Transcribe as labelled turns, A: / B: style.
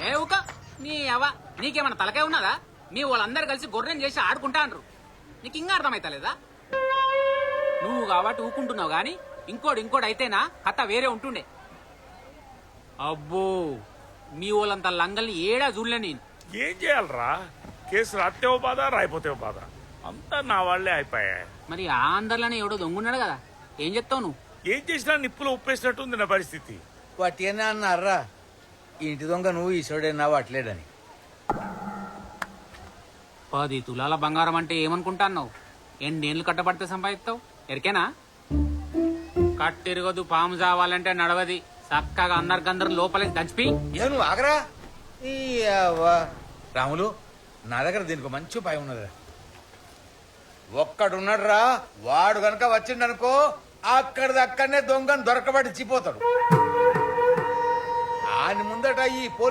A: ఏ ఊక నీ అవ్వ నీకేమన్నా తలకాయ ఉన్నదా? మీ వాళ్ళందరూ కలిసి గొర్రెం చేసి ఆడుకుంటా అంటారు. నీకు ఇంకా అర్థమైతలేదా? నువ్వు కాబట్టి ఊకుంటున్నావు గాని ఇంకోటి అయితేనా కథ వేరే ఉంటుండే. అబ్బో మీ వాళ్ళంత లంగల్ని ఏడా చూడలే నేను.
B: ఏం చేయాలరా? కేసు రాత్తేవో బాధ, రాయిపోతేవో బాధ, అంతా నా వాళ్లే అయిపోయా.
A: మరి ఆ అందరిలోనే ఎవడో దొంగున్నాడు కదా, ఏం చెప్తావు నువ్వు?
B: ఏం చేసినా నిప్పులో ఉప్పేసినట్టుంది నా పరిస్థితి.
C: వాటినే అన్నారా ఇంటి దొంగ నువ్వు ఈశ్వరుడైనా వాట్లేడని.
A: 10 తులాల బంగారం అంటే ఏమనుకుంటాన్నావు? ఎన్నేళ్ళు కట్టబడితే సంపాదిస్తావు ఎరికేనా? కట్టిరగదు పాము చావాలంటే నడవది. చక్కగా అందరికందరు లోపలికి దంచిపి.
C: ఏ నువ్వు ఆగరా ఈ అవ్వ. రాములు నా దగ్గర దీనికి మంచి ఉపాయం ఉన్నదిరా. ఒక్కడున్నాడు రా, వాడు గనక వచ్చిండనుకో అక్కడిదక్కడనే దొంగను దొరకబట్టి చిపోతాడు. ఆయన ముందట ఈ